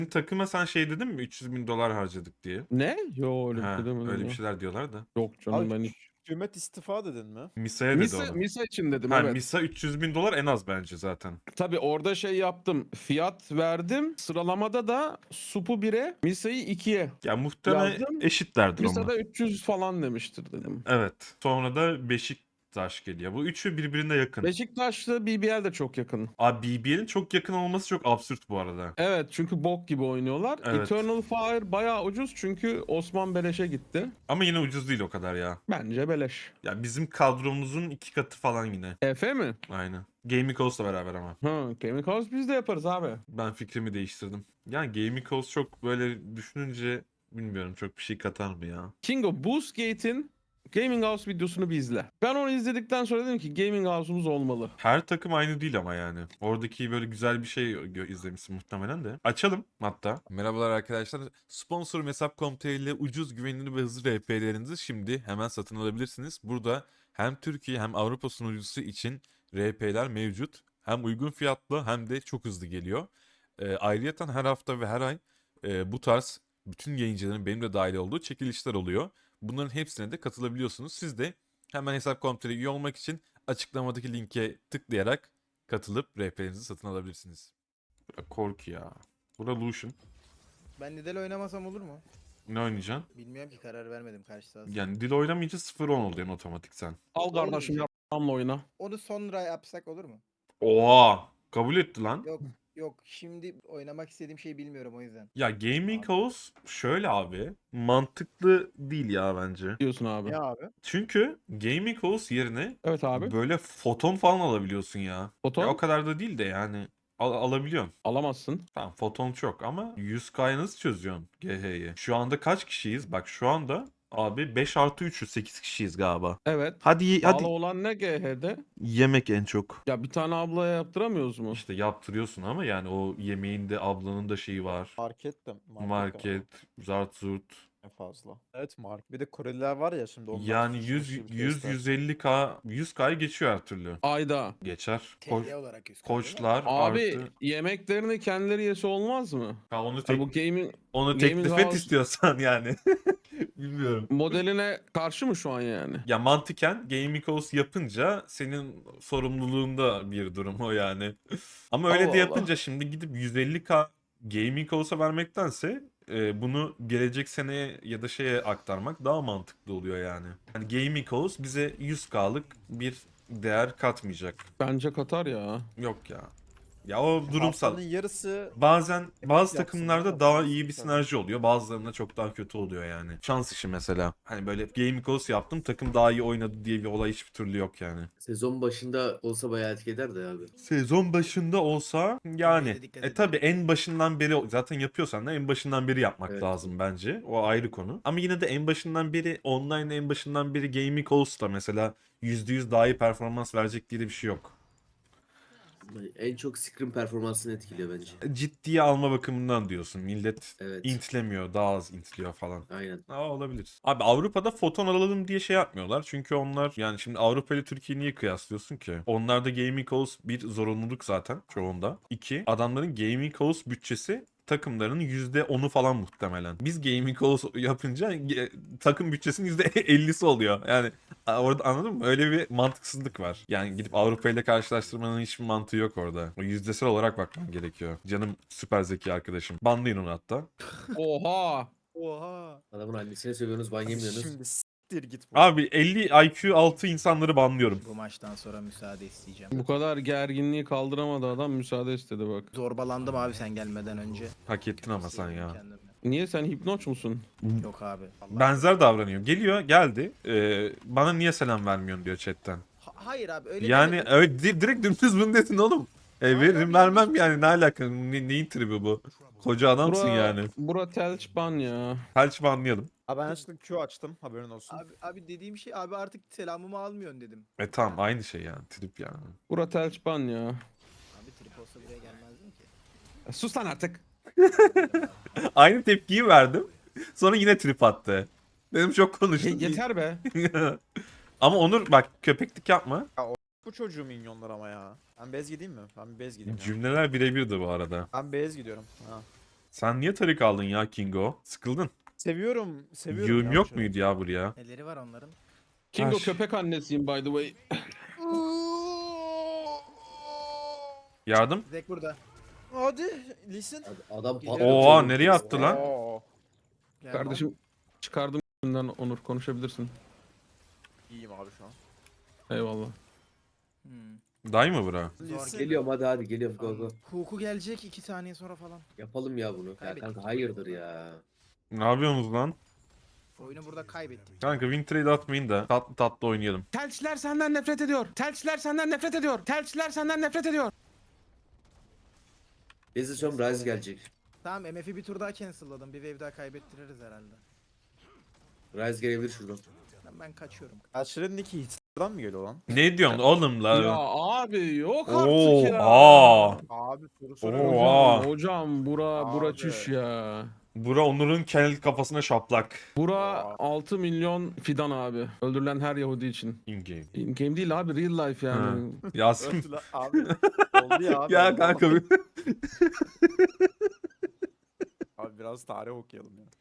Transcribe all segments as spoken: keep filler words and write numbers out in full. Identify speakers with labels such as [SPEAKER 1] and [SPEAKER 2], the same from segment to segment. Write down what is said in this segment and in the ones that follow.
[SPEAKER 1] Takıma sen şey dedin mi? üç yüz bin dolar harcadık diye.
[SPEAKER 2] Ne? Yo öyle bir şey
[SPEAKER 1] Ha,
[SPEAKER 2] demedim
[SPEAKER 1] öyle bir
[SPEAKER 2] ya.
[SPEAKER 1] şeyler diyorlar da.
[SPEAKER 2] Yok canım
[SPEAKER 3] Abi
[SPEAKER 2] ben hiç.
[SPEAKER 3] hükümet istifa dedin mi?
[SPEAKER 1] Misa'ya dedi
[SPEAKER 2] Misa,
[SPEAKER 1] onu.
[SPEAKER 2] Misa için dedim
[SPEAKER 1] Ha,
[SPEAKER 2] evet.
[SPEAKER 1] Misa üç yüz bin dolar en az bence zaten.
[SPEAKER 2] Tabii orada şey yaptım. Fiyat verdim. Sıralamada da Sup'u bire, Misa'yı ikiye
[SPEAKER 1] Ya muhtemelen
[SPEAKER 2] yazdım.
[SPEAKER 1] eşitlerdir
[SPEAKER 2] Misa
[SPEAKER 1] onlar.
[SPEAKER 2] da üç yüz falan demiştir dedim.
[SPEAKER 1] Evet. Sonra da Beşiktaş geliyor. Bu üçü birbirine yakın.
[SPEAKER 2] Beşiktaş'la B B L de çok yakın.
[SPEAKER 1] Abi B B L'in çok yakın olması çok absürt bu arada.
[SPEAKER 2] Evet çünkü bok gibi oynuyorlar.
[SPEAKER 1] Evet.
[SPEAKER 2] Eternal Fire bayağı ucuz çünkü Osman beleşe gitti.
[SPEAKER 1] Ama yine ucuz değil o kadar ya.
[SPEAKER 2] Bence beleş.
[SPEAKER 1] Ya bizim kadromuzun iki katı falan yine.
[SPEAKER 2] Efe mi?
[SPEAKER 1] Aynen. Gaming House'la beraber ama.
[SPEAKER 2] Ha, Gaming House biz de yaparız abi.
[SPEAKER 1] Ben fikrimi değiştirdim. Yani Gaming House çok böyle düşününce bilmiyorum çok bir şey katar mı ya?
[SPEAKER 2] Kingo, Boostgate'in Gaming House videosunu bir izle. Ben onu izledikten sonra dedim ki Gaming House'umuz olmalı.
[SPEAKER 1] Her takım aynı değil ama yani. Oradaki böyle güzel bir şey gö- izlemişsin muhtemelen de. Açalım hatta. Merhabalar arkadaşlar. Sponsorum hesap nokta com nokta tr ile ucuz, güvenilir ve hızlı R P'lerinizi şimdi hemen satın alabilirsiniz. Burada hem Türkiye hem Avrupa sunucusu için R P'ler mevcut. Hem uygun fiyatlı hem de çok hızlı geliyor. Ee, ayrıyeten her hafta ve her ay e, bu tarz bütün yayıncıların benim de dahil olduğu çekilişler oluyor. Bunların hepsine de katılabiliyorsunuz. Siz de hemen hesap nokta com nokta tr üye olmak için açıklamadaki linke tıklayarak katılıp R P'lerinizi satın alabilirsiniz. Korku ya. Burada Lucian.
[SPEAKER 4] Ben Nidal oynamasam olur mu?
[SPEAKER 1] Ne oynayacaksın?
[SPEAKER 4] Bilmiyorum ki, karar vermedim karşı sahası.
[SPEAKER 1] Yani dil oynamayınca sıfır on oluyor otomatik sen.
[SPEAKER 2] Al
[SPEAKER 4] Olur
[SPEAKER 2] kardeşim
[SPEAKER 4] diyeceğim.
[SPEAKER 2] yapmamla oyna.
[SPEAKER 4] Onu sonra yapsak olur mu?
[SPEAKER 1] Oha! Kabul etti lan.
[SPEAKER 4] Yok yok, şimdi oynamak istediğim şeyi bilmiyorum o yüzden.
[SPEAKER 1] Ya Gaming
[SPEAKER 4] Abi.
[SPEAKER 1] House şöyle abi. Mantıklı değil ya bence.
[SPEAKER 2] Diyorsun abi.
[SPEAKER 3] Ne abi?
[SPEAKER 1] Çünkü Gaming House yerine
[SPEAKER 2] Evet abi.
[SPEAKER 1] böyle foton falan alabiliyorsun ya. Ya o
[SPEAKER 2] Foton
[SPEAKER 1] kadar da değil de yani al- alabiliyorsun.
[SPEAKER 2] alamazsın.
[SPEAKER 1] Tamam foton çok ama yüz K'yı nasıl çözüyorsun G H'yi? Şu anda kaç kişiyiz? Bak şu anda abi beş artı üçüz, sekiz kişiyiz galiba.
[SPEAKER 2] Evet.
[SPEAKER 1] Hadi ye-
[SPEAKER 2] Pahalı
[SPEAKER 1] hadi
[SPEAKER 2] olan ne G H'de?
[SPEAKER 1] yemek en çok.
[SPEAKER 2] Ya bir tane ablaya yaptıramıyoruz mu?
[SPEAKER 1] İşte yaptırıyorsun ama yani o yemeğin de ablanın da şeyi var.
[SPEAKER 3] Market de market, de var.
[SPEAKER 1] Market, zart zurt.
[SPEAKER 3] En fazla. Evet market. Bir de Koreliler var ya şimdi onlar
[SPEAKER 1] Yani
[SPEAKER 3] fışır
[SPEAKER 1] yüz
[SPEAKER 3] fışır
[SPEAKER 1] yüz
[SPEAKER 3] testler.
[SPEAKER 1] yüz elli K yüz K'yı geçiyor her türlü.
[SPEAKER 2] Ayda.
[SPEAKER 1] Geçer. Koç,
[SPEAKER 4] T L olarak yüz
[SPEAKER 1] koçlar
[SPEAKER 2] Abi
[SPEAKER 1] artı.
[SPEAKER 2] yemeklerini kendileri yese olmaz mı?
[SPEAKER 1] Ha, onu
[SPEAKER 2] Hani
[SPEAKER 1] tek
[SPEAKER 2] bu gaming
[SPEAKER 1] onu
[SPEAKER 2] gaming
[SPEAKER 1] teklif et
[SPEAKER 2] house
[SPEAKER 1] istiyorsan yani. Bilmiyorum.
[SPEAKER 2] modeline karşı mı şu an yani?
[SPEAKER 1] Ya mantıken Gaming House yapınca senin sorumluluğunda bir durum o yani. Ama öyle
[SPEAKER 2] Allah
[SPEAKER 1] de
[SPEAKER 2] Allah.
[SPEAKER 1] yapınca şimdi gidip yüz elli K Gaming House'a vermektense e, bunu gelecek seneye ya da şeye aktarmak daha mantıklı oluyor yani. Yani Gaming House bize yüz K'lık bir değer katmayacak.
[SPEAKER 2] Bence Katar ya.
[SPEAKER 1] Yok ya. Ya o durumsal.
[SPEAKER 3] Haftanın yarısı
[SPEAKER 1] Bazen bazı
[SPEAKER 3] yapsın
[SPEAKER 1] takımlarda
[SPEAKER 3] değil mi?
[SPEAKER 1] daha
[SPEAKER 3] Falan
[SPEAKER 1] iyi bir
[SPEAKER 3] sıkıntı.
[SPEAKER 1] sinerji oluyor. Bazılarında çok daha kötü oluyor yani. Şans işi mesela. Hani böyle gaming house yaptım takım daha iyi oynadı diye bir olay hiçbir türlü yok yani.
[SPEAKER 5] Sezon başında olsa bayağı etki ederdi abi.
[SPEAKER 1] Sezon başında olsa yani
[SPEAKER 4] Oraya dikkat
[SPEAKER 1] e
[SPEAKER 4] edin.
[SPEAKER 1] tabi en başından beri zaten yapıyorsan da en başından beri yapmak
[SPEAKER 5] Evet.
[SPEAKER 1] lazım bence. O ayrı konu. Ama yine de en başından beri online en başından beri gaming house da mesela yüzde yüz daha iyi performans verecek diye de bir şey yok.
[SPEAKER 5] En çok scrim performansını etkiliyor bence.
[SPEAKER 1] Ciddiye alma bakımından diyorsun. Millet
[SPEAKER 5] Evet.
[SPEAKER 1] intlemiyor, daha az intliyor falan.
[SPEAKER 5] Aynen.
[SPEAKER 1] Aa, olabilir. Abi Avrupa'da foton alalım diye şey yapmıyorlar. Çünkü onlar yani şimdi Avrupa ile Türkiye'yi niye kıyaslıyorsun ki? Onlarda gaming house bir zorunluluk zaten çoğunda. İki, adamların gaming house bütçesi takımlarının yüzde onu falan muhtemelen. Biz gaming house yapınca ge- takım bütçesinin yüzde ellisi oluyor. Yani a- orada anladın mı? Öyle bir mantıksızlık var. Yani gidip Avrupa ile karşılaştırmanın hiçbir mantığı yok orada. O yüzdesel olarak bakman gerekiyor. Canım süper zeki arkadaşım. Banlayın onu hatta.
[SPEAKER 2] Oha.
[SPEAKER 3] Oha.
[SPEAKER 5] Adamın annesine sövüyorsunuz, ban
[SPEAKER 3] Abi
[SPEAKER 5] yemiyorsunuz.
[SPEAKER 3] şimdi s**tir git bu.
[SPEAKER 1] Abi elli I Q altı insanları banlıyorum.
[SPEAKER 4] Bu maçtan sonra müsaade isteyeceğim.
[SPEAKER 2] Bu kadar gerginliği kaldıramadı adam müsaade istedi bak.
[SPEAKER 4] Zorbalandım abi sen gelmeden önce.
[SPEAKER 1] Hak ettin ama sen ya.
[SPEAKER 4] Kendime.
[SPEAKER 2] Niye sen hipnoç musun?
[SPEAKER 4] Yok abi. Vallahi.
[SPEAKER 1] Benzer davranıyor. Geliyor geldi. Ee, bana niye selam vermiyorsun diyor chatten.
[SPEAKER 4] Ha- hayır abi öyle
[SPEAKER 1] Yani
[SPEAKER 4] demedim.
[SPEAKER 1] öyle di- direkt dümdüz bunu dedin oğlum. E,
[SPEAKER 4] Hayır
[SPEAKER 1] veririm
[SPEAKER 4] abi,
[SPEAKER 1] vermem
[SPEAKER 4] yanlış.
[SPEAKER 1] yani ne alaka ne, neyin tribi bu? Koca adamsın
[SPEAKER 2] Bura,
[SPEAKER 1] yani.
[SPEAKER 2] bura telç ban ya.
[SPEAKER 1] Felç banlayalım.
[SPEAKER 3] Abi ben yanlışlıkla Q açtım haberin olsun.
[SPEAKER 4] Abi, abi dediğim şey abi artık selamımı almıyorsun dedim.
[SPEAKER 1] E tamam aynı şey yani trip yani.
[SPEAKER 2] Bura telç ban ya.
[SPEAKER 4] Abi trip olsa buraya gelmezdim ki.
[SPEAKER 2] Ya sus lan artık.
[SPEAKER 1] Aynı tepkiyi verdim. Sonra yine trip attı. Dedim çok
[SPEAKER 2] Ye-
[SPEAKER 1] konuştun.
[SPEAKER 2] yeter be.
[SPEAKER 1] Ama Onur bak köpeklik yapma.
[SPEAKER 3] Bu çocuğu minyonlar ama ya. Ben bez gideyim mi? Ben bir bez gideyim ya.
[SPEAKER 1] Cümleler birebirdi bu arada.
[SPEAKER 3] Ben bez gidiyorum. Ha.
[SPEAKER 1] Sen niye tarik aldın ya Kingo? Sıkıldın.
[SPEAKER 3] Seviyorum. Seviyorum
[SPEAKER 1] Yığım
[SPEAKER 3] ya
[SPEAKER 1] yok
[SPEAKER 3] bu
[SPEAKER 1] muydu ya buraya?
[SPEAKER 4] Neleri var onların?
[SPEAKER 2] Kingo
[SPEAKER 1] Aş.
[SPEAKER 2] köpek annesiyim by the way.
[SPEAKER 1] Yardım.
[SPEAKER 4] Zek burada.
[SPEAKER 3] Hadi listen.
[SPEAKER 5] Ad- Adam
[SPEAKER 4] Geliyor.
[SPEAKER 5] patlatıyor.
[SPEAKER 1] Oha nereye attı lan?
[SPEAKER 3] Oo.
[SPEAKER 4] Geldim.
[SPEAKER 2] Kardeşim çıkardım bundan Onur konuşabilirsin.
[SPEAKER 3] İyiyim abi şu an.
[SPEAKER 2] Eyvallah.
[SPEAKER 4] Hmm.
[SPEAKER 1] Day mı bura?
[SPEAKER 3] Listen.
[SPEAKER 5] Geliyorum hadi hadi geliyorum go go.
[SPEAKER 4] Tamam. Huku gelecek iki saniye sonra falan.
[SPEAKER 5] Yapalım ya bunu. Ya
[SPEAKER 4] Kaybettik.
[SPEAKER 5] kanka hayırdır ya.
[SPEAKER 1] Ne yapıyorsunuz lan?
[SPEAKER 4] Oyunu burada kaybettik.
[SPEAKER 1] Kanka win trade atmayın da tatlı tatlı oynayalım.
[SPEAKER 2] Telçiler senden nefret ediyor. Telçiler senden nefret ediyor. Telçiler senden nefret ediyor.
[SPEAKER 5] Ezilsem Rise gelecek.
[SPEAKER 4] Tamam M F'i bir tur daha cancel'ladım. Bir wave daha kaybettiririz herhalde.
[SPEAKER 5] Rise gelebilir şuradan.
[SPEAKER 4] Ben, ben kaçıyorum.
[SPEAKER 3] Aşırı Nicky Hitler'dan mı geliyor lan?
[SPEAKER 1] Ne diyorsun oğlum
[SPEAKER 2] Ya
[SPEAKER 1] la?
[SPEAKER 2] abi yok artık ya.
[SPEAKER 1] Oha.
[SPEAKER 3] Abi soru
[SPEAKER 1] Oo.
[SPEAKER 3] soruyorum.
[SPEAKER 1] Oha.
[SPEAKER 2] Hocam, hocam bura bura
[SPEAKER 3] Abi.
[SPEAKER 2] çüş ya.
[SPEAKER 1] Bura Onur'un kel kafasına şaplak.
[SPEAKER 2] Bura
[SPEAKER 3] Aa.
[SPEAKER 2] altı milyon fidan abi. Öldürülen her Yahudi için.
[SPEAKER 1] In game.
[SPEAKER 2] In game değil abi real life yani.
[SPEAKER 1] Yasin.
[SPEAKER 3] Öldü lan abi. Oldu ya abi.
[SPEAKER 1] Ya
[SPEAKER 3] oldu.
[SPEAKER 1] kanka bir-
[SPEAKER 3] Abi biraz tarih okuyalım ya.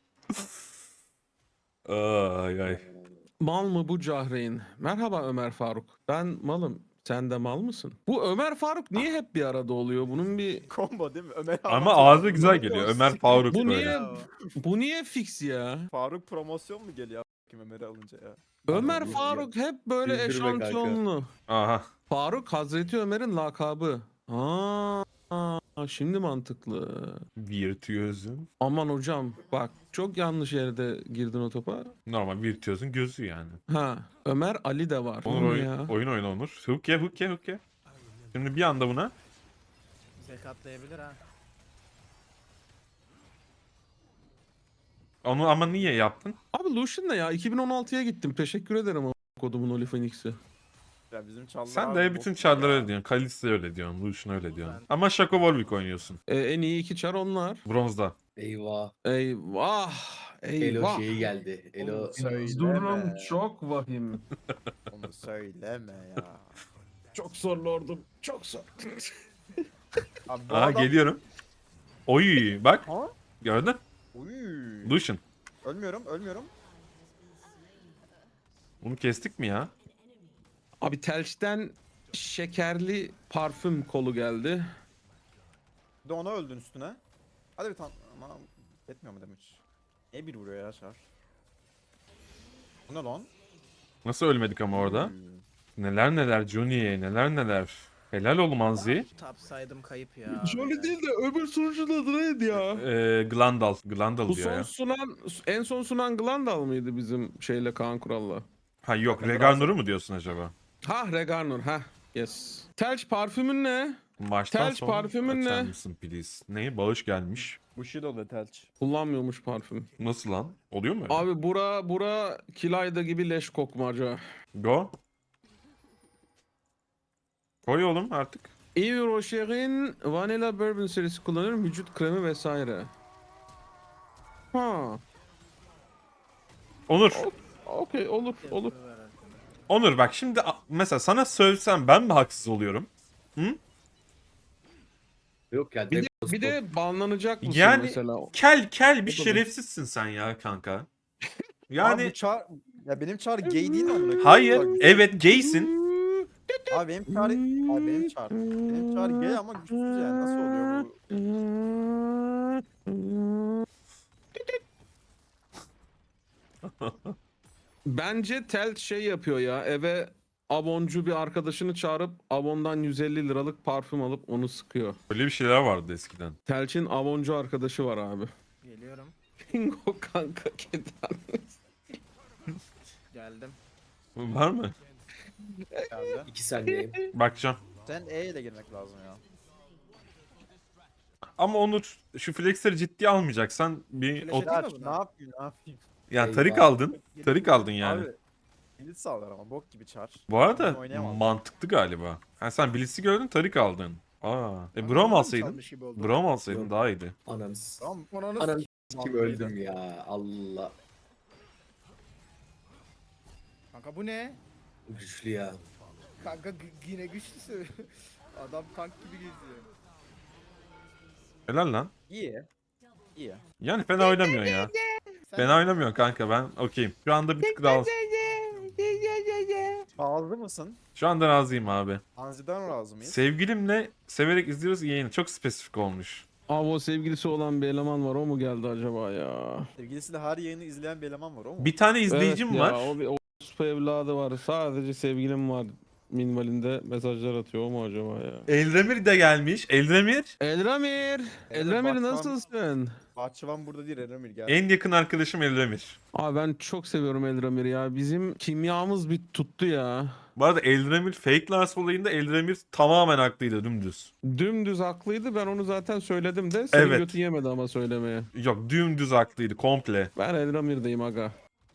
[SPEAKER 1] Ay ay.
[SPEAKER 2] Mal mı bu Cahreyn? Merhaba Ömer Faruk. Ben malım. Sen de mal mısın? Bu Ömer Faruk niye hep bir arada oluyor? Bunun bir
[SPEAKER 3] Combo değil mi? Ömer
[SPEAKER 1] Ama
[SPEAKER 3] abi-
[SPEAKER 1] ağzı güzel geliyor. Ömer Faruk
[SPEAKER 2] Bu
[SPEAKER 1] böyle.
[SPEAKER 2] niye
[SPEAKER 4] Bravo.
[SPEAKER 2] bu niye fix ya?
[SPEAKER 3] Faruk promosyon mu geliyor a**kim Ömer'i alınca ya?
[SPEAKER 2] Ömer
[SPEAKER 5] Abi,
[SPEAKER 2] Faruk hep böyle
[SPEAKER 5] Güldürme kanka.
[SPEAKER 2] eşantiyonlu.
[SPEAKER 1] Aha.
[SPEAKER 2] Faruk Hazreti Ömer'in lakabı. Aa, şimdi mantıklı.
[SPEAKER 1] Virtüözün.
[SPEAKER 2] Aman hocam bak çok yanlış yerde girdin o topa.
[SPEAKER 1] Normal virtüözün gözü yani.
[SPEAKER 2] Ha Ömer Ali de var.
[SPEAKER 1] Onur
[SPEAKER 2] O ne
[SPEAKER 1] oyun,
[SPEAKER 2] ya?
[SPEAKER 1] oyun oyna Onur. Hook ye hook ye hook ye. Şimdi bir anda buna.
[SPEAKER 4] Zek atlayabilir ha.
[SPEAKER 1] Onu ama niye yaptın?
[SPEAKER 2] Abi Lucian ne ya? iki bin on altıya gittim. Teşekkür ederim o kodumun Oli Phoenix'i.
[SPEAKER 3] Ya bizim çallar
[SPEAKER 1] Sen
[SPEAKER 3] abi
[SPEAKER 1] de
[SPEAKER 3] bok
[SPEAKER 1] bütün
[SPEAKER 3] gibi
[SPEAKER 1] çarlar
[SPEAKER 3] ya.
[SPEAKER 1] öyle diyorsun. Kalista öyle diyorsun. Lucian öyle diyorsun.
[SPEAKER 4] Ben-
[SPEAKER 1] Ama Shaco Warwick oynuyorsun.
[SPEAKER 2] Ee, en iyi iki çar onlar.
[SPEAKER 1] Bronzda.
[SPEAKER 5] Eyvah.
[SPEAKER 2] Eyvah.
[SPEAKER 5] Elo
[SPEAKER 2] Eyvah.
[SPEAKER 5] şeyi geldi. Elo
[SPEAKER 3] Oğlum, söyleme.
[SPEAKER 2] Durum çok vahim.
[SPEAKER 3] Onu söyleme ya.
[SPEAKER 2] Çok zor lordum. Çok zor.
[SPEAKER 3] Abi bu
[SPEAKER 1] Aa
[SPEAKER 3] adam...
[SPEAKER 1] geliyorum. Oy bak.
[SPEAKER 3] Ha?
[SPEAKER 1] Gördün?
[SPEAKER 3] Uy.
[SPEAKER 1] Lucian.
[SPEAKER 3] Ölmüyorum, ölmüyorum.
[SPEAKER 1] Bunu kestik mi ya?
[SPEAKER 2] Abi Telç'ten şekerli parfüm kolu geldi.
[SPEAKER 3] Bir de ona öldün üstüne. Hadi bir tane ama etmiyor mu damage? Ne bir vuruyor ya Şar? Bu ne lan?
[SPEAKER 1] Nasıl ölmedik ama orada?
[SPEAKER 3] Uy.
[SPEAKER 1] Neler neler Johnny, neler neler. Helal ol Manzi.
[SPEAKER 4] Top saydım kayıp ya.
[SPEAKER 2] Jolly değil de öbür sunucunun adı neydi ya?
[SPEAKER 1] Ee, Glandal. Glandal
[SPEAKER 2] Bu
[SPEAKER 1] diyor
[SPEAKER 2] son
[SPEAKER 1] ya.
[SPEAKER 2] sunan, en son sunan Glandal mıydı bizim şeyle Kaan Kural'la?
[SPEAKER 1] Ha yok.
[SPEAKER 3] Bakın,
[SPEAKER 1] Regarnor'u
[SPEAKER 3] biraz-
[SPEAKER 1] mu diyorsun acaba?
[SPEAKER 2] Ha Regarnor ha. Yes. Telç parfümün ne?
[SPEAKER 1] Maçtan
[SPEAKER 2] Telç
[SPEAKER 1] sonra
[SPEAKER 2] parfümün
[SPEAKER 1] açar
[SPEAKER 2] ne?
[SPEAKER 1] mısın please? Ne? Bağış gelmiş.
[SPEAKER 3] Bushido ve Telç.
[SPEAKER 2] Kullanmıyormuş parfüm.
[SPEAKER 1] Nasıl lan? Oluyor mu öyle?
[SPEAKER 2] Abi bura bura Kilayda gibi leş kokmaca.
[SPEAKER 1] Go. Koy oğlum artık.
[SPEAKER 2] Yves Rocher'in Vanilla Bourbon serisi kullanır, vücut kremi vesaire. Ha.
[SPEAKER 1] Onur.
[SPEAKER 2] Okey olur olur.
[SPEAKER 1] Onur bak şimdi a- mesela sana söylesem ben mi haksız oluyorum?
[SPEAKER 5] yok ya.
[SPEAKER 2] Bir de,
[SPEAKER 5] Demos
[SPEAKER 2] bir de banlanacak mısın
[SPEAKER 1] Yani-
[SPEAKER 2] mesela?
[SPEAKER 1] Kel kel bir
[SPEAKER 2] O da
[SPEAKER 1] şerefsizsin sen ya kanka.
[SPEAKER 3] Abi
[SPEAKER 1] Yani
[SPEAKER 3] bu çar... Ya benim çar gay değil mi amına koyayım?
[SPEAKER 1] hayır
[SPEAKER 3] Bak,
[SPEAKER 1] evet gaysin.
[SPEAKER 3] Abi benim çar... Abi benim çar... Benim çar gay ama güçsüz yani. Nasıl oluyor bu?
[SPEAKER 2] Bence Tel şey yapıyor ya, eve aboncu bir arkadaşını çağırıp abondan yüz elli liralık parfüm alıp onu sıkıyor.
[SPEAKER 1] Öyle bir şeyler vardı eskiden.
[SPEAKER 2] Telç'in aboncu arkadaşı var abi.
[SPEAKER 4] Geliyorum.
[SPEAKER 2] Bingo kanka keden.
[SPEAKER 4] Geldim.
[SPEAKER 1] Var mı?
[SPEAKER 3] Abi.
[SPEAKER 5] iki saniye.
[SPEAKER 1] Bakacağım.
[SPEAKER 3] Sen E ile girmek lazım ya.
[SPEAKER 1] Ama Onur şu flexleri ciddiye almayacaksan bir
[SPEAKER 4] Flash
[SPEAKER 1] o,
[SPEAKER 4] atayım mı
[SPEAKER 3] Ya
[SPEAKER 4] buna?
[SPEAKER 3] ne yapayım ne yapayım?
[SPEAKER 1] yani tarik
[SPEAKER 5] Eyvah.
[SPEAKER 1] aldın. Tarik aldın yani.
[SPEAKER 3] Abi kilit sağlar ama bok gibi çar.
[SPEAKER 1] Bu arada
[SPEAKER 3] Ben oynayamam.
[SPEAKER 1] mantıklı galiba. Ha sen Blitz'i gördün tarik aldın. Aa. E
[SPEAKER 4] Ama
[SPEAKER 1] Braum
[SPEAKER 4] ben
[SPEAKER 1] alsaydın.
[SPEAKER 4] çalmış gibi oldu.
[SPEAKER 1] Braum alsaydın
[SPEAKER 5] Yok.
[SPEAKER 1] daha iyiydi.
[SPEAKER 5] Ananız.
[SPEAKER 3] Tamam.
[SPEAKER 4] Ananı
[SPEAKER 5] Ananı
[SPEAKER 4] s-
[SPEAKER 5] kim öldüm ya. Allah.
[SPEAKER 4] Kanka bu ne?
[SPEAKER 5] Güçlü ya.
[SPEAKER 4] Kanka g- yine güçlüsü. Adam tank gibi geziyor.
[SPEAKER 1] Helal lan.
[SPEAKER 3] İyi. İyi ya.
[SPEAKER 1] Yani fena oynamıyorsun ya.
[SPEAKER 4] Sen
[SPEAKER 1] Fena oynamıyorsun kanka, ben okeyim. Şu anda bir tık daha...
[SPEAKER 3] Razı mısın?
[SPEAKER 1] Şu anda razıyım abi.
[SPEAKER 3] Anzi'den razı mıyız?
[SPEAKER 1] Sevgilimle severek izliyoruz yayını. Çok spesifik olmuş.
[SPEAKER 2] Abi o sevgilisi olan bir eleman var, o mu geldi acaba ya?
[SPEAKER 3] Sevgilisiyle her yayını izleyen bir eleman var o mu?
[SPEAKER 1] Bir tane izleyicim
[SPEAKER 2] Evet
[SPEAKER 1] var.
[SPEAKER 2] ya, o bir o orospu evladı var. Sadece sevgilim var minvalinde mesajlar atıyor, o mu acaba ya?
[SPEAKER 1] Eldemir de gelmiş. Eldemir
[SPEAKER 2] Eldramir! Eldramir
[SPEAKER 3] Bahçıvan-
[SPEAKER 2] nasılsın?
[SPEAKER 3] Bahçıvan burada değil Eremir gel.
[SPEAKER 1] en yakın arkadaşım Eldemir.
[SPEAKER 2] Abi ben çok seviyorum Eldramir'i ya. Bizim kimyamız bir tuttu ya.
[SPEAKER 1] Bu arada Eldemir fake Lars olayında Eldemir tamamen haklıydı, dümdüz.
[SPEAKER 2] Dümdüz haklıydı. Ben onu zaten söyledim de senin
[SPEAKER 1] Evet.
[SPEAKER 2] götün yemedi ama söylemeye.
[SPEAKER 1] Yok, dümdüz haklıydı komple.
[SPEAKER 2] Ben Eldramir'deyim aga.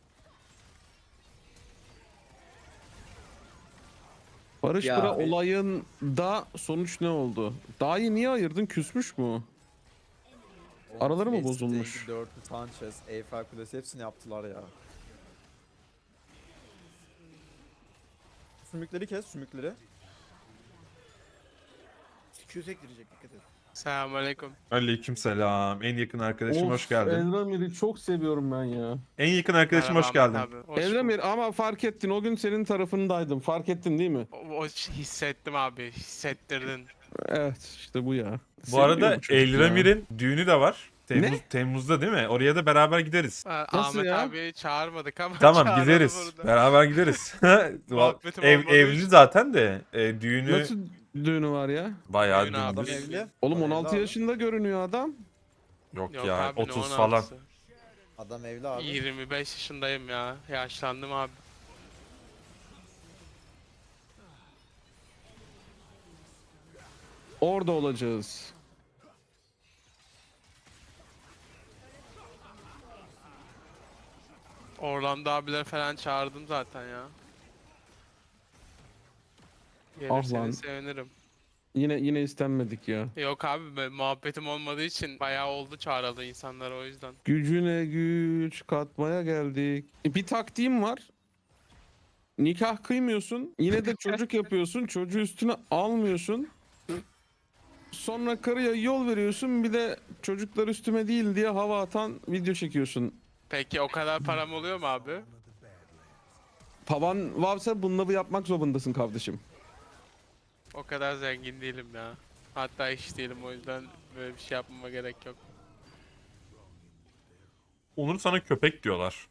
[SPEAKER 2] Barış
[SPEAKER 5] Ya
[SPEAKER 2] Bıra
[SPEAKER 5] abi-
[SPEAKER 2] olayında sonuç ne oldu? Dahi niye ayırdın? Küsmüş mü? Araları mı bozulmuş?
[SPEAKER 3] Dörtlü Sanchez, Eiffel Kulesi hepsini yaptılar ya. Sümükleri kes, sümükleri.
[SPEAKER 4] Q sektirecek, dikkat et.
[SPEAKER 6] Selamünaleyküm.
[SPEAKER 1] Aleykümselam. En yakın arkadaşım hoş geldin.
[SPEAKER 2] Eldramir'i çok seviyorum ben ya.
[SPEAKER 1] En yakın arkadaşım hoş
[SPEAKER 6] Merhaba
[SPEAKER 1] geldin.
[SPEAKER 6] Ahmet abi. Hoş
[SPEAKER 2] Eldramir ama fark ettin. O gün senin tarafındaydım. Fark ettin değil mi?
[SPEAKER 6] bulduk. O, o hissettim abi. Hissettirdin.
[SPEAKER 2] Evet işte bu ya.
[SPEAKER 1] Bu
[SPEAKER 2] Seviyor
[SPEAKER 1] arada
[SPEAKER 2] bu çocuk ya.
[SPEAKER 1] Elramir'in düğünü de var. Temmuz,
[SPEAKER 2] Ne?
[SPEAKER 1] Temmuz'da değil mi? Oraya da beraber gideriz.
[SPEAKER 6] Ha,
[SPEAKER 2] Nasıl
[SPEAKER 6] Ahmet
[SPEAKER 2] ya?
[SPEAKER 6] abi çağırmadık ama
[SPEAKER 1] Tamam,
[SPEAKER 6] çağıralım
[SPEAKER 1] gideriz.
[SPEAKER 6] burada.
[SPEAKER 1] Beraber gideriz.
[SPEAKER 6] Muhabbetim
[SPEAKER 1] Ev,
[SPEAKER 6] olmadığı
[SPEAKER 1] evli
[SPEAKER 6] için.
[SPEAKER 1] zaten de e, düğünü
[SPEAKER 2] Nasıl düğünü var ya?
[SPEAKER 1] bayağı
[SPEAKER 6] Düğün abi.
[SPEAKER 1] dümdüz.
[SPEAKER 3] Adam evli.
[SPEAKER 2] Oğlum
[SPEAKER 3] Adam
[SPEAKER 2] on
[SPEAKER 3] evli
[SPEAKER 2] altı
[SPEAKER 3] abi.
[SPEAKER 2] yaşında görünüyor adam.
[SPEAKER 1] Yok,
[SPEAKER 6] Yok
[SPEAKER 1] ya
[SPEAKER 6] abi, ne
[SPEAKER 1] otuz
[SPEAKER 6] on
[SPEAKER 1] falan.
[SPEAKER 6] altısı?
[SPEAKER 3] Adam evli abi.
[SPEAKER 6] yirmi beş yaşındayım ya. Yaşlandım abi.
[SPEAKER 2] Orada olacağız.
[SPEAKER 6] Orlando abiler falan çağırdım zaten ya.
[SPEAKER 2] Ah
[SPEAKER 6] Gelirseniz
[SPEAKER 2] lan.
[SPEAKER 6] sevinirim.
[SPEAKER 2] Yine yine istenmedik ya.
[SPEAKER 6] Yok abi, ben- muhabbetim olmadığı için bayağı oldu çağrıldı insanlar, o yüzden.
[SPEAKER 2] Gücüne güç katmaya geldik. E, bir taktiğim var. Nikah kıymıyorsun. Yine de çocuk yapıyorsun. Çocuğu üstüne almıyorsun. Sonra karıya yol veriyorsun. Bir de çocuklar üstüme değil diye hava atan video çekiyorsun.
[SPEAKER 6] Peki o kadar param oluyor mu abi?
[SPEAKER 2] Pavan varsa bunları yapmak zorundasın kardeşim.
[SPEAKER 6] O kadar zengin değilim ya. Hatta hiç değilim, o yüzden böyle bir şey yapmama gerek yok.
[SPEAKER 1] Onur sana köpek diyorlar.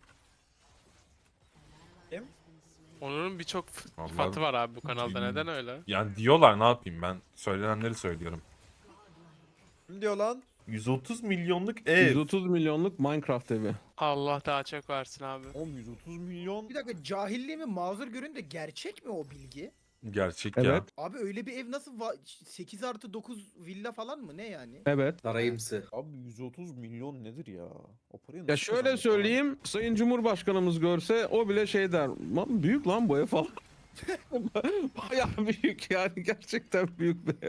[SPEAKER 3] Kim?
[SPEAKER 6] Onur'un birçok f-
[SPEAKER 1] Vallahi
[SPEAKER 6] sıfatı var abi bu kanalda,
[SPEAKER 1] bilmiyorum.
[SPEAKER 6] neden öyle?
[SPEAKER 1] Yani diyorlar, ne yapayım, ben söylenenleri söylüyorum.
[SPEAKER 3] Kim diyor lan?
[SPEAKER 1] yüz otuz milyonluk ev.
[SPEAKER 2] yüz otuz milyonluk Minecraft evi.
[SPEAKER 6] Allah daha çok versin abi.
[SPEAKER 3] Oğlum yüz otuz milyon.
[SPEAKER 4] Bir dakika, cahilliğimi mazur görün de gerçek mi o bilgi?
[SPEAKER 1] Gerçek ya.
[SPEAKER 2] Evet.
[SPEAKER 4] Abi öyle bir ev nasıl va- sekiz artı dokuz villa falan mı ne yani?
[SPEAKER 2] Evet.
[SPEAKER 5] Sarayımsı.
[SPEAKER 3] Abi yüz otuz milyon nedir ya? O parayı
[SPEAKER 2] Ya
[SPEAKER 3] nasıl
[SPEAKER 2] şöyle
[SPEAKER 3] kazanıyor falan?
[SPEAKER 2] söyleyeyim, Sayın Cumhurbaşkanımız görse o bile şey der. Lan büyük lan bu ev falan. Bayağı büyük yani, gerçekten büyük bir ev.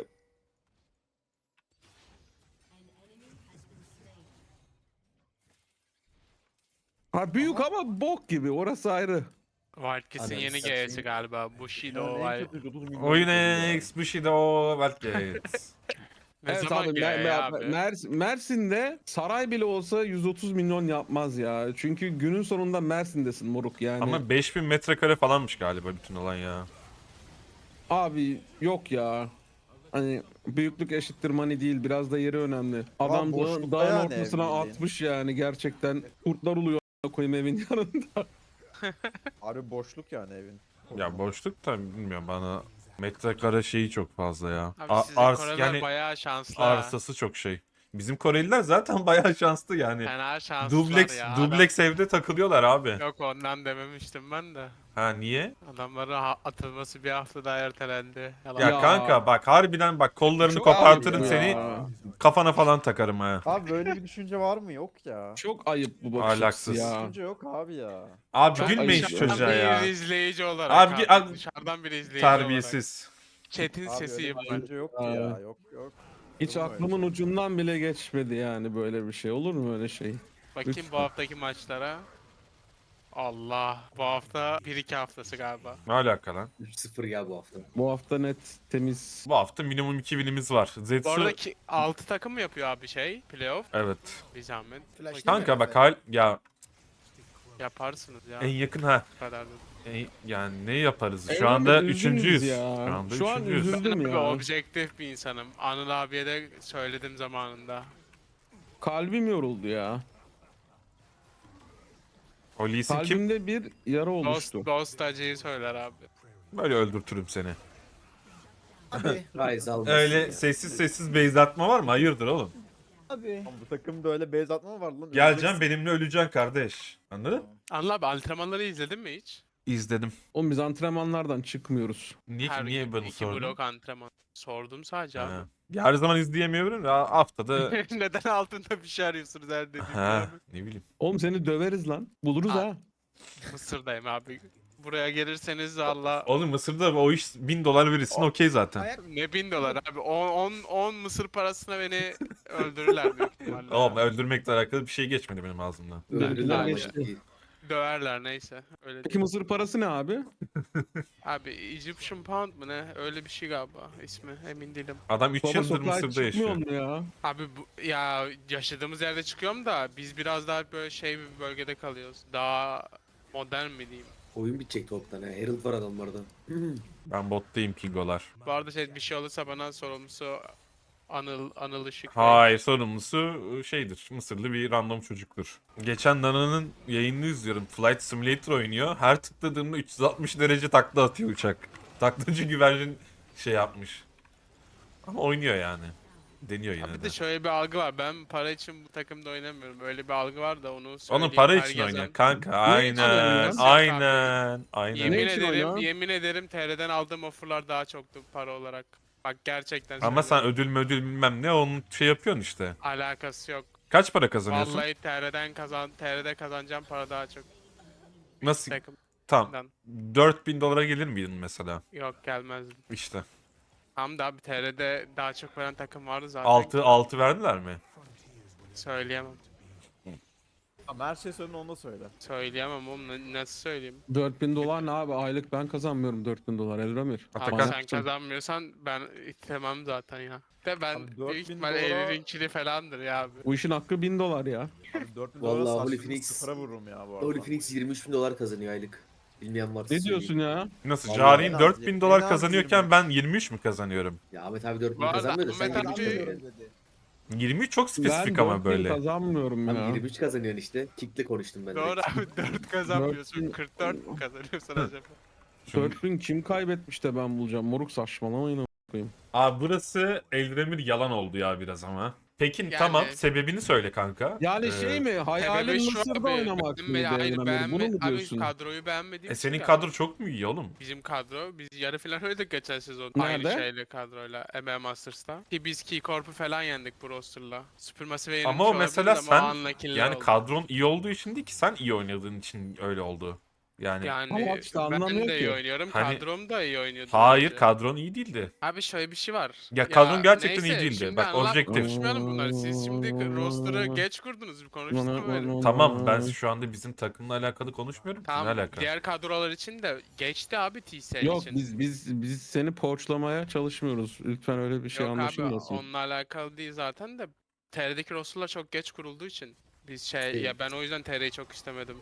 [SPEAKER 2] Ha büyük ama bok gibi, orası ayrı.
[SPEAKER 6] Wildcats'in
[SPEAKER 5] Ananı
[SPEAKER 6] yeni
[SPEAKER 5] satayım.
[SPEAKER 6] G'si galiba. Bushido.
[SPEAKER 3] Yani en
[SPEAKER 6] Wild-
[SPEAKER 3] kötü yüz otuz milyon
[SPEAKER 1] Oyun
[SPEAKER 3] ya.
[SPEAKER 1] X Bushido Wildcats.
[SPEAKER 6] Ne
[SPEAKER 2] Evet
[SPEAKER 6] zaman
[SPEAKER 2] abi,
[SPEAKER 6] G
[SPEAKER 2] Mer-
[SPEAKER 6] ya
[SPEAKER 2] Mer-
[SPEAKER 6] abi?
[SPEAKER 2] Mers- Mersin'de saray bile olsa yüz otuz milyon yapmaz ya. Çünkü günün sonunda Mersin'desin moruk yani.
[SPEAKER 1] Ama beş bin metrekare falanmış galiba bütün alan ya.
[SPEAKER 2] Abi yok ya. Hani büyüklük eşittir money değil, biraz da yeri önemli. Adam da,
[SPEAKER 3] boşlukta
[SPEAKER 2] dağın
[SPEAKER 3] yani
[SPEAKER 2] ortasına
[SPEAKER 3] ev bildiğin.
[SPEAKER 2] atmış yani, gerçekten kurtlar uluyor a**ına koyayım evin yanında.
[SPEAKER 3] Harbi boşluk yani evin.
[SPEAKER 1] Ya boşluk da bilmiyorum, bana metrekare şeyi çok fazla ya.
[SPEAKER 6] Abi
[SPEAKER 1] A-
[SPEAKER 6] sizin
[SPEAKER 1] ars
[SPEAKER 6] Koreliler
[SPEAKER 1] yani
[SPEAKER 6] bayağı şanslı. ha.
[SPEAKER 1] arsası çok şey. Bizim Koreliler zaten bayağı şanslı yani.
[SPEAKER 6] Fena şanslılar
[SPEAKER 1] Dubleks
[SPEAKER 6] ya.
[SPEAKER 1] dubleks evde takılıyorlar abi.
[SPEAKER 6] Adam- Yok, ondan dememiştim ben de.
[SPEAKER 1] Ha niye?
[SPEAKER 6] Adamların ha- atılması bir hafta daha ertelendi. Yalan.
[SPEAKER 1] Ya,
[SPEAKER 2] Ya.
[SPEAKER 1] kanka bak, harbiden bak, kollarını
[SPEAKER 2] Çok
[SPEAKER 1] kopartırım
[SPEAKER 2] ayıp
[SPEAKER 1] seni,
[SPEAKER 2] ya.
[SPEAKER 1] kafana falan takarım ha.
[SPEAKER 3] Abi böyle bir düşünce var mı? Yok ya.
[SPEAKER 2] Çok ayıp bu bakış
[SPEAKER 1] Ahlaksız.
[SPEAKER 2] açısı ya.
[SPEAKER 3] Düşünce yok abi ya.
[SPEAKER 1] Abi
[SPEAKER 2] Çok
[SPEAKER 1] gülmeyin
[SPEAKER 2] ayıp
[SPEAKER 1] şu
[SPEAKER 2] ya.
[SPEAKER 1] çocuğa
[SPEAKER 6] bir
[SPEAKER 1] ya.
[SPEAKER 6] izleyici olarak
[SPEAKER 1] Abi,
[SPEAKER 6] abi,
[SPEAKER 1] abi-
[SPEAKER 6] dışarıdan bir izleyici
[SPEAKER 1] Terbiyesiz.
[SPEAKER 6] olarak. Chat'in
[SPEAKER 3] Abi
[SPEAKER 6] sesiyim
[SPEAKER 3] öyle bir
[SPEAKER 6] ben.
[SPEAKER 3] düşünce yok ki
[SPEAKER 2] Abi.
[SPEAKER 3] ya. Yok yok.
[SPEAKER 2] Hiç
[SPEAKER 3] Olur mu öyle
[SPEAKER 2] aklımın
[SPEAKER 3] şey?
[SPEAKER 2] ucundan bile geçmedi yani böyle bir şey. Olur mu öyle şey?
[SPEAKER 6] Bakayım
[SPEAKER 2] Lütfen.
[SPEAKER 6] bu haftaki maçlara. Allah. Bu hafta bir iki haftası galiba.
[SPEAKER 1] Ne alaka lan?
[SPEAKER 5] üç sıfır ya bu hafta.
[SPEAKER 2] Bu hafta net temiz.
[SPEAKER 1] Bu hafta minimum iki winimiz var.
[SPEAKER 6] Bu
[SPEAKER 1] Zetsu...
[SPEAKER 6] arada altı takım mı yapıyor abi şey? Playoff.
[SPEAKER 1] Evet.
[SPEAKER 6] Bir zahmet.
[SPEAKER 4] Flash değil mi?
[SPEAKER 1] Kanka bak
[SPEAKER 4] Evet.
[SPEAKER 1] hal ya
[SPEAKER 6] Yaparsınız ya.
[SPEAKER 1] en yakın ha.
[SPEAKER 6] Bu kadar da.
[SPEAKER 1] En- yani ne yaparız? Şu
[SPEAKER 2] Evrem'e
[SPEAKER 1] anda
[SPEAKER 2] üzdünüz
[SPEAKER 1] üçüncüyüz.
[SPEAKER 2] ya.
[SPEAKER 1] Şu anda
[SPEAKER 2] Şu an
[SPEAKER 1] üçüncüyüz.
[SPEAKER 2] üzüldüm.
[SPEAKER 6] Ben
[SPEAKER 2] Üzüldüm
[SPEAKER 6] abi
[SPEAKER 2] ya.
[SPEAKER 6] objektif bir insanım. Anıl abiye de söyledim zamanında.
[SPEAKER 2] Kalbim yoruldu ya.
[SPEAKER 1] O Lee Sin kim?
[SPEAKER 2] Kalbimde bir yara
[SPEAKER 6] Dost,
[SPEAKER 2] oluştu.
[SPEAKER 6] dost acıyı söyler abi.
[SPEAKER 1] Böyle öldürtürüm seni.
[SPEAKER 4] Abi.
[SPEAKER 5] Rise almasın
[SPEAKER 1] Öyle
[SPEAKER 5] ya.
[SPEAKER 1] sessiz sessiz base atma var mı? Hayırdır oğlum?
[SPEAKER 4] Abi.
[SPEAKER 3] Lan bu takımda öyle base atma mı var lan?
[SPEAKER 1] Geleceksin benimle öleceksin kardeş. Anladın?
[SPEAKER 6] Anıl abi antrenmanları izledin mi hiç?
[SPEAKER 1] İzledim.
[SPEAKER 2] Oğlum biz antrenmanlardan çıkmıyoruz.
[SPEAKER 1] Niye
[SPEAKER 6] Her
[SPEAKER 1] ki niye
[SPEAKER 6] gün
[SPEAKER 1] bana
[SPEAKER 6] iki
[SPEAKER 1] sordun?
[SPEAKER 6] blok antrenman. Sordum sadece abi.
[SPEAKER 1] Ha. Ya her zaman izleyemiyorum ya haftada.
[SPEAKER 6] Neden altında bir şey arıyorsunuz her dediğimde
[SPEAKER 1] ha,
[SPEAKER 6] abi?
[SPEAKER 1] ne bileyim.
[SPEAKER 2] Oğlum seni döveriz lan. Buluruz
[SPEAKER 6] Aa.
[SPEAKER 2] ha.
[SPEAKER 6] Mısır'dayım abi. Buraya gelirseniz valla
[SPEAKER 1] Oğlum Mısır'da o iş bin dolar verirsin
[SPEAKER 6] O-
[SPEAKER 1] okey zaten.
[SPEAKER 4] Ayak
[SPEAKER 6] ne bin dolar abi. on Mısır parasına beni öldürürler büyük ihtimalle.
[SPEAKER 1] Oğlum öldürmekle alakalı bir şey geçmedi benim ağzımdan.
[SPEAKER 5] Öldürdüler ama
[SPEAKER 6] Bence.
[SPEAKER 5] ciddi.
[SPEAKER 6] Döverler neyse. Öyle
[SPEAKER 2] Peki
[SPEAKER 6] değil.
[SPEAKER 2] mısır parası ne abi?
[SPEAKER 6] Abi Egyptian Pound mı ne? Öyle bir şey galiba ismi. Emin değilim.
[SPEAKER 1] Adam üç
[SPEAKER 2] Baba
[SPEAKER 1] yıldır
[SPEAKER 2] sokağa
[SPEAKER 1] Mısır'da yaşıyor.
[SPEAKER 2] çıkmıyor mu ya?
[SPEAKER 6] Abi bu, ya yaşadığımız yerde çıkıyorum da biz biraz daha böyle şey bir bölgede kalıyoruz. Daha modern mi diyeyim?
[SPEAKER 5] Oyun bitecek toptan ha. Herald var adamlarda.
[SPEAKER 1] Ben bottayım Kingolar.
[SPEAKER 6] Bu arada şey bir şey olursa bana sorumlusu Anıl Anıl Işık.
[SPEAKER 1] Hayır sorumlusu şeydir. Mısırlı bir random çocuktur. Geçen Nana'nın yayınını izliyorum. Flight Simulator oynuyor. Her tıkladığımda üç yüz altmış derece takla atıyor uçak. Taklacı güvercin şey yapmış. Ama oynuyor yani. Deniyor yine
[SPEAKER 6] Abi bir
[SPEAKER 1] de.
[SPEAKER 6] de şöyle bir algı var. Ben para için bu takımda oynamıyorum. Öyle bir algı var da onu
[SPEAKER 1] Onun
[SPEAKER 6] söyleyeyim.
[SPEAKER 1] para
[SPEAKER 6] her
[SPEAKER 1] için
[SPEAKER 6] gezen-
[SPEAKER 1] oynuyor kanka.
[SPEAKER 2] Ne için
[SPEAKER 1] Aynen.
[SPEAKER 2] oynuyor?
[SPEAKER 1] Aynen. Aynen.
[SPEAKER 6] Yemin
[SPEAKER 2] Ne için
[SPEAKER 6] ederim,
[SPEAKER 2] oynuyor?
[SPEAKER 6] yemin ederim T R'den aldığım offerlar daha çoktu para olarak. Bak gerçekten
[SPEAKER 1] Ama sen
[SPEAKER 6] söylüyorum.
[SPEAKER 1] ödül müdül bilmem ne onun şey yapıyorsun işte.
[SPEAKER 6] Alakası yok.
[SPEAKER 1] Kaç para kazanıyorsun?
[SPEAKER 6] Vallahi T R'den kazan T R'de kazanacağım para daha çok.
[SPEAKER 1] Nasıl?
[SPEAKER 6] Takımdan.
[SPEAKER 1] Tamam. dört bin dolara gelir miydin mesela?
[SPEAKER 6] Yok gelmezdim.
[SPEAKER 1] İşte.
[SPEAKER 6] Tam da abi T R'de daha çok veren takım vardı zaten.
[SPEAKER 1] altı altı verdiler mi?
[SPEAKER 6] Söyleyemem.
[SPEAKER 3] Ama her şey söyledin onu da söyle.
[SPEAKER 6] Söyleyemem oğlum na- nasıl söyleyeyim?
[SPEAKER 2] dört bin dolar ne abi? Aylık ben kazanmıyorum dört bin dolar Elramir.
[SPEAKER 6] Abi
[SPEAKER 1] Atakan.
[SPEAKER 6] sen kazanmıyorsan ben istemem zaten ya. De ben
[SPEAKER 3] Abi dört
[SPEAKER 6] büyük
[SPEAKER 3] bin
[SPEAKER 6] ihtimal
[SPEAKER 3] dolara-
[SPEAKER 6] Eylül'ün falandır ya abi.
[SPEAKER 2] Bu işin hakkı bin dolar ya.
[SPEAKER 3] Abi dört bin
[SPEAKER 5] Vallahi
[SPEAKER 3] dolara
[SPEAKER 5] Holy
[SPEAKER 3] saçlarını
[SPEAKER 5] Phoenix-
[SPEAKER 3] sıfıra vururum ya bu arada.
[SPEAKER 5] Holy Phoenix yirmi üç bin dolar kazanıyor aylık. Bilmeyen varsa
[SPEAKER 2] Ne
[SPEAKER 5] söyleyeyim.
[SPEAKER 2] diyorsun ya?
[SPEAKER 1] Nasıl?
[SPEAKER 3] Vallahi
[SPEAKER 1] Cari'nin
[SPEAKER 3] en az-
[SPEAKER 1] dört bin
[SPEAKER 3] en
[SPEAKER 1] dolar
[SPEAKER 3] az
[SPEAKER 1] kazanıyorken
[SPEAKER 3] yirmi.
[SPEAKER 1] ben yirmi üç mü kazanıyorum?
[SPEAKER 5] Ya Ahmet abi dört bin
[SPEAKER 6] Bu arada
[SPEAKER 5] kazanmıyor da sen
[SPEAKER 6] Ahmet
[SPEAKER 5] yirmi üç
[SPEAKER 6] abi-
[SPEAKER 5] kazanıyorsun.
[SPEAKER 1] yirmi üç çok
[SPEAKER 2] Ben
[SPEAKER 1] spesifik ama
[SPEAKER 2] dört bin
[SPEAKER 1] böyle.
[SPEAKER 2] kazanmıyorum
[SPEAKER 5] Abi
[SPEAKER 2] ya.
[SPEAKER 5] yirmi üç kazanıyorsun işte. Kick'le konuştum ben
[SPEAKER 6] Doğru
[SPEAKER 5] direkt.
[SPEAKER 6] abi dört kazanmıyorsun.
[SPEAKER 2] bin-
[SPEAKER 6] kırk dört mü kazanıyorsun acaba?
[SPEAKER 1] Çünkü-
[SPEAKER 2] dört bin kim kaybetmiş de ben bulacağım? Moruk saçmalamayın a**.
[SPEAKER 1] Abi burası Eldemir yalan oldu ya biraz ama. Peki
[SPEAKER 6] Yani-
[SPEAKER 1] tamam sebebini söyle kanka.
[SPEAKER 2] Yani
[SPEAKER 1] Ee,
[SPEAKER 2] şey mi? Hayalin
[SPEAKER 6] Sebebi şu
[SPEAKER 2] Mısır'da
[SPEAKER 6] abi,
[SPEAKER 2] oynamak
[SPEAKER 6] benim-
[SPEAKER 2] mıydı
[SPEAKER 6] hayır,
[SPEAKER 2] Elramir?
[SPEAKER 6] beğenme,
[SPEAKER 2] Bunu mu
[SPEAKER 6] abi
[SPEAKER 2] diyorsun?
[SPEAKER 6] kadroyu beğenmediğim
[SPEAKER 1] E
[SPEAKER 6] için
[SPEAKER 1] senin
[SPEAKER 6] galiba.
[SPEAKER 1] kadro çok mu iyi oğlum?
[SPEAKER 6] Bizim kadro, biz yarı final oynadık geçen sezon.
[SPEAKER 2] Nerede?
[SPEAKER 6] Aynı şeyle kadroyla, M M Masters'ta. Ki biz Key Corp'u falan yendik bu roster'la. Supermassive yenilmiş
[SPEAKER 1] Ama o
[SPEAKER 6] olabiliriz
[SPEAKER 1] mesela
[SPEAKER 6] ama
[SPEAKER 1] sen
[SPEAKER 6] o unlucky'ler
[SPEAKER 1] yani
[SPEAKER 6] oldu.
[SPEAKER 1] kadron iyi olduğu için değil ki sen iyi oynadığın için öyle oldu. Yani,
[SPEAKER 6] Yani
[SPEAKER 2] Ama işte
[SPEAKER 6] ben
[SPEAKER 2] anlamıyor
[SPEAKER 6] de iyi
[SPEAKER 2] ki.
[SPEAKER 6] oynuyorum,
[SPEAKER 1] Hani-
[SPEAKER 6] kadrom da iyi oynuyordu.
[SPEAKER 1] hayır
[SPEAKER 6] bence.
[SPEAKER 1] kadron iyi değildi.
[SPEAKER 6] Abi şöyle bir şey var.
[SPEAKER 1] Ya kadron gerçekten iyi
[SPEAKER 6] neyse,
[SPEAKER 1] değildi.
[SPEAKER 6] şimdi
[SPEAKER 1] Bak,
[SPEAKER 6] anlat-
[SPEAKER 1] objektif.
[SPEAKER 6] Konuşmayalım bunları. Siz şimdi roster'ı geç kurdunuz. Bir konuştuk mu böyle?
[SPEAKER 1] Tamam ben şu anda bizim takımla alakalı konuşmuyorum ki. Ne
[SPEAKER 6] Tamam,
[SPEAKER 1] alaka?
[SPEAKER 6] diğer kadrolar için de geçti abi T S L
[SPEAKER 2] Yok
[SPEAKER 6] için.
[SPEAKER 2] biz biz biz seni poğaçlamaya çalışmıyoruz. Lütfen öyle bir şey
[SPEAKER 6] Yok abi
[SPEAKER 2] anlaşılmasın.
[SPEAKER 6] onunla alakalı değil zaten de T R'deki roster'lar çok geç kurulduğu için biz şey
[SPEAKER 5] Değil.
[SPEAKER 6] ya ben o yüzden T R'yi çok istemedim.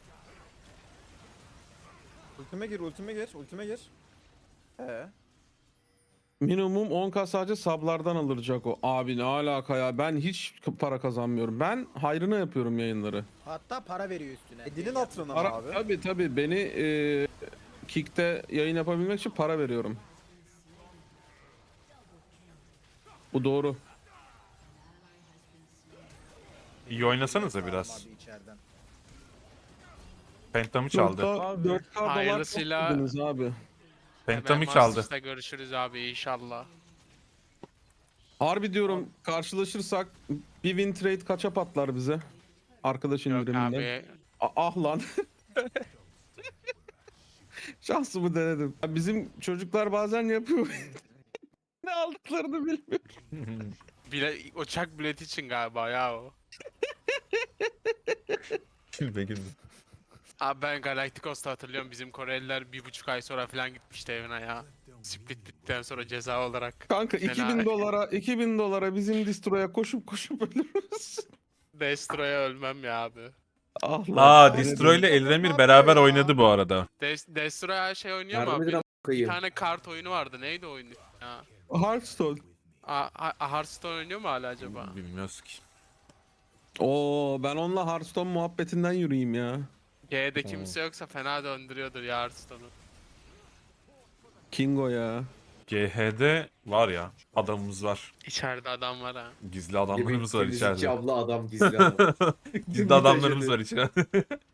[SPEAKER 3] Ultime gir, ultime gir, ultime gir. Ee,
[SPEAKER 2] Minimum on k sadece sablardan alıracak o. Abi ne alaka ya? Ben hiç k- para kazanmıyorum. Ben hayrına yapıyorum yayınları.
[SPEAKER 4] Hatta para veriyor üstüne.
[SPEAKER 3] e, dilin hatırına mı
[SPEAKER 2] Para,
[SPEAKER 3] abi?
[SPEAKER 2] tabii tabii beni e, Kick'te yayın yapabilmek için para veriyorum. Bu doğru.
[SPEAKER 1] İyi oynasanıza biraz.
[SPEAKER 4] Abi içeriden.
[SPEAKER 1] Pentamı çaldı.
[SPEAKER 2] dört K dolar
[SPEAKER 6] Hayırlısıyla-
[SPEAKER 2] topladınız abi.
[SPEAKER 1] Pentamı
[SPEAKER 6] Hemen
[SPEAKER 1] çaldı.
[SPEAKER 6] Masters'ta görüşürüz abi inşallah.
[SPEAKER 2] Harbi diyorum karşılaşırsak bir win trade kaça patlar bize? Arkadaş
[SPEAKER 6] Yok
[SPEAKER 2] indiriminden.
[SPEAKER 6] abi
[SPEAKER 2] A- ah lan. Şansımı denedim. Ya bizim çocuklar bazen yapıyor. Ne aldıklarını bilmiyorum.
[SPEAKER 6] bile, uçak bileti için galiba ya o.
[SPEAKER 1] Gülme gülme.
[SPEAKER 6] Abi ben Galacticos'ta hatırlıyorum bizim Koreliler bir buçuk ay sonra falan gitmişti evine ya. Split bittikten sonra ceza olarak.
[SPEAKER 2] Kanka
[SPEAKER 6] Fena.
[SPEAKER 2] iki bin dolara iki bin dolara bizim distroya koşup koşup ölürüz.
[SPEAKER 6] Destroy'a ölmem ya abi.
[SPEAKER 2] Ah lan.
[SPEAKER 1] Aa
[SPEAKER 2] ne
[SPEAKER 1] Distro ile
[SPEAKER 2] dedim?
[SPEAKER 1] Eldemir
[SPEAKER 4] Ne
[SPEAKER 1] beraber
[SPEAKER 4] yapıyor ya?
[SPEAKER 1] oynadı bu arada.
[SPEAKER 6] Des Destroy her şey oynuyor mu
[SPEAKER 5] Yardım edin
[SPEAKER 6] abi?
[SPEAKER 5] a**ına
[SPEAKER 6] Bir
[SPEAKER 5] koyayım.
[SPEAKER 6] tane kart oyunu vardı. Neydi o oyun ya?
[SPEAKER 2] Hearthstone.
[SPEAKER 6] A A- Hearthstone oynuyor mu hala acaba?
[SPEAKER 1] Bilmiyoruz ki.
[SPEAKER 2] Oo ben onunla Hearthstone muhabbetinden yürüyeyim ya.
[SPEAKER 6] G'de kimse yoksa fena döndürüyordur ya Hearthstone'u.
[SPEAKER 2] Kingo ya.
[SPEAKER 1] G H'de var ya adamımız var.
[SPEAKER 6] İçeride adam var ha.
[SPEAKER 1] Gizli adamlarımız var
[SPEAKER 5] Temizlikçi
[SPEAKER 1] içeride.
[SPEAKER 5] abla adam gizli adam.
[SPEAKER 1] Gizli adamlarımız var içeride.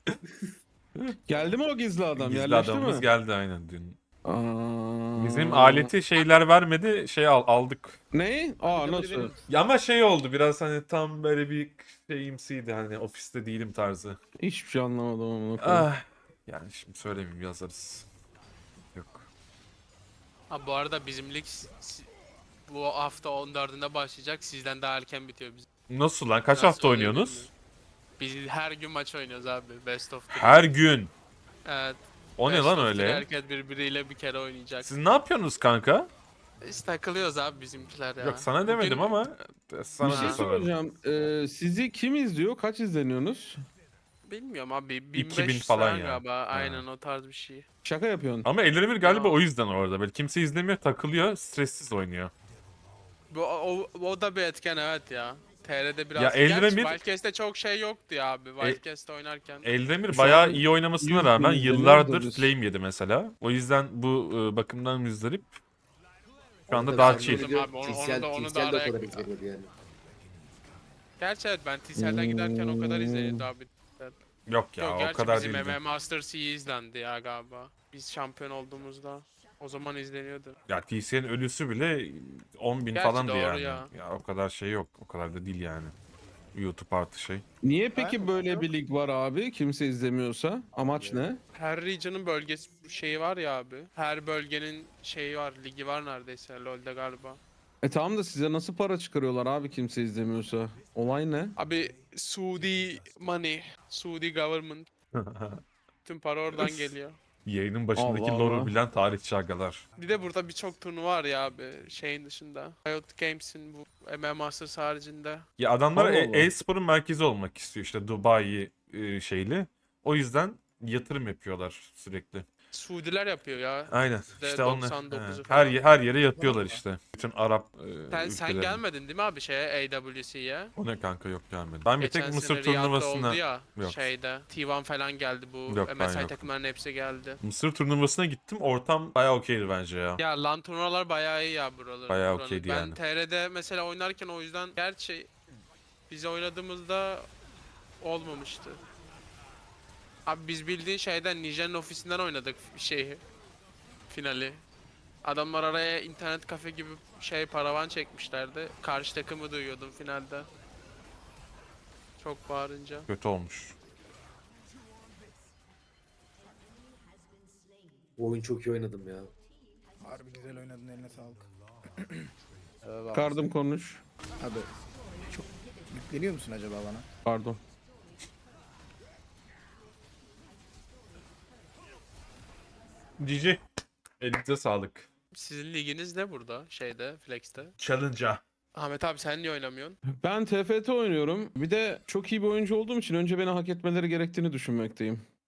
[SPEAKER 2] Geldi mi o gizli adam?
[SPEAKER 1] Gizli
[SPEAKER 2] Yerleşti
[SPEAKER 1] adamımız
[SPEAKER 2] mi?
[SPEAKER 1] geldi aynen dün.
[SPEAKER 2] Aa.
[SPEAKER 1] Bizim aleti şeyler vermedi, şey al, aldık.
[SPEAKER 2] Ne? Aa
[SPEAKER 4] Bir de
[SPEAKER 2] nasıl?
[SPEAKER 4] benim-
[SPEAKER 1] Ya ama şey oldu biraz hani tam böyle bir şeyimsiydi hani ofiste değilim tarzı.
[SPEAKER 2] Hiçbir şey anlamadım amına koyayım.
[SPEAKER 1] Ah. Yani şimdi söylemeyeyim yazarız. Yok.
[SPEAKER 6] Ha bu arada bizim lig s- s- bu hafta on dördünde başlayacak. Sizden daha erken bitiyor bizim.
[SPEAKER 1] Nasıl lan? Kaç
[SPEAKER 6] Nasıl
[SPEAKER 1] hafta
[SPEAKER 6] oluyor
[SPEAKER 1] oynuyorsunuz?
[SPEAKER 6] bilmiyorum. Biz her gün maç oynuyoruz abi. Best of three.
[SPEAKER 1] Her gün.
[SPEAKER 6] Evet.
[SPEAKER 1] O ne
[SPEAKER 6] best
[SPEAKER 1] lan
[SPEAKER 6] of three
[SPEAKER 1] öyle?
[SPEAKER 6] Herkes birbiriyle bir kere oynayacak.
[SPEAKER 1] Siz ne yapıyorsunuz kanka?
[SPEAKER 6] Biz takılıyoruz abi bizimkiler ya.
[SPEAKER 1] Yok sana demedim
[SPEAKER 6] Bugün-
[SPEAKER 1] ama sana
[SPEAKER 2] Bir şey
[SPEAKER 1] da sorarım.
[SPEAKER 2] soracağım. Ee, sizi kim izliyor? Kaç izleniyorsunuz?
[SPEAKER 6] Bilmiyorum abi.
[SPEAKER 1] iki bin
[SPEAKER 6] bin beş yüz
[SPEAKER 1] falan
[SPEAKER 6] falan
[SPEAKER 1] ya.
[SPEAKER 6] galiba.
[SPEAKER 1] Ha.
[SPEAKER 6] Aynen o tarz bir şey.
[SPEAKER 2] Şaka yapıyorsun.
[SPEAKER 1] Ama Eldemir galiba
[SPEAKER 6] Ya.
[SPEAKER 1] o yüzden orada. Böyle kimse izlemiyor, takılıyor, stressiz oynuyor.
[SPEAKER 6] Bu, o, o da bir etken evet ya. T R'de biraz...
[SPEAKER 1] Ya
[SPEAKER 6] Gerçi
[SPEAKER 1] Eldemir-
[SPEAKER 6] Wildcast'te çok şey yoktu ya abi. Wildcast'te oynarken.
[SPEAKER 1] Eldemir
[SPEAKER 2] Şu
[SPEAKER 1] bayağı
[SPEAKER 2] an
[SPEAKER 1] iyi oynamasına
[SPEAKER 2] yüz
[SPEAKER 1] rağmen
[SPEAKER 2] bin izleniyoruz
[SPEAKER 1] yıllardır
[SPEAKER 2] da biz.
[SPEAKER 1] flame yedi mesela. O yüzden bu e, bakımdan müzdarip. Şu anda
[SPEAKER 5] Tabii
[SPEAKER 1] daha
[SPEAKER 5] sen
[SPEAKER 1] chill.
[SPEAKER 5] böyle diyor,
[SPEAKER 6] Abi onu- onu
[SPEAKER 5] Tinsel-
[SPEAKER 6] da- onu da
[SPEAKER 5] Tinsel de o
[SPEAKER 6] araya-
[SPEAKER 5] kadar izleniyordu yani.
[SPEAKER 6] Gerçi evet ben T C'den giderken o kadar izleniyordu abi.
[SPEAKER 1] Yok ya
[SPEAKER 6] Yok
[SPEAKER 1] o
[SPEAKER 6] gerçi
[SPEAKER 1] kadar
[SPEAKER 6] bizim
[SPEAKER 1] değildi.
[SPEAKER 6] M M Masters iyi izlendi ya galiba. Biz şampiyon olduğumuzda. O zaman izleniyordu.
[SPEAKER 1] Ya T C'nin ölüsü bile on bin
[SPEAKER 6] Gerçi
[SPEAKER 1] falandı
[SPEAKER 6] doğru
[SPEAKER 1] yani.
[SPEAKER 6] ya.
[SPEAKER 1] Ya. o kadar şey yok. O kadar da değil yani. YouTube artı şey.
[SPEAKER 2] Niye peki
[SPEAKER 4] Aynen,
[SPEAKER 2] böyle
[SPEAKER 4] yok.
[SPEAKER 2] bir lig var abi? Kimse izlemiyorsa. Amaç ne?
[SPEAKER 6] Her region'ın bölgesi şeyi var ya abi. Her bölgenin şeyi var, ligi var neredeyse LoL'de galiba.
[SPEAKER 2] E tamam da size nasıl para çıkarıyorlar abi kimse izlemiyorsa? Olay ne?
[SPEAKER 6] Abi Suudi money, Suudi government. Tüm para oradan geliyor.
[SPEAKER 1] Yayının başındaki
[SPEAKER 2] Allah
[SPEAKER 1] lore'u
[SPEAKER 2] Allah.
[SPEAKER 1] bilen tarihçi agalar.
[SPEAKER 6] Bir de burada birçok turnuva var ya abi şeyin dışında. Riot Games'in bu M M Masters haricinde.
[SPEAKER 1] Ya adamlar
[SPEAKER 2] Allah
[SPEAKER 1] e-
[SPEAKER 2] Allah.
[SPEAKER 1] e-sporun merkezi olmak istiyor işte Dubai e, şeyli. O yüzden yatırım yapıyorlar sürekli.
[SPEAKER 6] Suudiler yapıyor ya.
[SPEAKER 1] Aynen.
[SPEAKER 6] Yüzde
[SPEAKER 1] İşte onlar
[SPEAKER 6] doksan dokuzu
[SPEAKER 1] he,
[SPEAKER 6] falan.
[SPEAKER 1] her ye- her yere yapıyorlar
[SPEAKER 6] Vallahi.
[SPEAKER 1] işte. Bütün Arap e,
[SPEAKER 6] Sen, sen
[SPEAKER 1] ülkelerine.
[SPEAKER 6] gelmedin değil mi abi şeye A W C'ye?
[SPEAKER 1] O ne kanka yok gelmedi. Ben bir
[SPEAKER 6] Geçen
[SPEAKER 1] tek Mısır
[SPEAKER 6] sene Riyad'da
[SPEAKER 1] turnuvasına
[SPEAKER 6] oldu ya
[SPEAKER 1] Yok.
[SPEAKER 6] şeyde. T bir falan geldi bu.
[SPEAKER 1] Yok, ben
[SPEAKER 6] M S I
[SPEAKER 1] yokum.
[SPEAKER 6] takımların hepsi geldi.
[SPEAKER 1] Mısır turnuvasına gittim. Ortam bayağı okeydi bence ya.
[SPEAKER 6] Ya LAN turnuvalar bayağı iyi ya buralar.
[SPEAKER 1] Bayağı
[SPEAKER 6] buranın.
[SPEAKER 1] okeydi
[SPEAKER 6] ben
[SPEAKER 1] yani.
[SPEAKER 6] T R'de mesela oynarken o yüzden gerçi biz oynadığımızda olmamıştı. Abi biz bildiğin şeyden Nijer'in ofisinden oynadık şeyi. Finali. Adamlar araya internet kafe gibi şey paravan çekmişlerdi. Karşı takımı duyuyordum finalde. Çok bağırınca.
[SPEAKER 1] Kötü olmuş.
[SPEAKER 5] Bu oyun çok iyi oynadım ya.
[SPEAKER 4] Harbi güzel oynadın, eline sağlık.
[SPEAKER 2] Kardım konuş.
[SPEAKER 4] Abi çok yükleniyor musun acaba bana?
[SPEAKER 2] Pardon.
[SPEAKER 1] G G. Elinize sağlık.
[SPEAKER 6] Sizin liginiz ne burada şeyde Flex'te?
[SPEAKER 1] Challenge'a.
[SPEAKER 6] Ahmet abi sen niye oynamıyorsun?
[SPEAKER 2] Ben T F T oynuyorum. Bir de çok iyi bir oyuncu olduğum için önce beni hak etmeleri gerektiğini düşünmekteyim.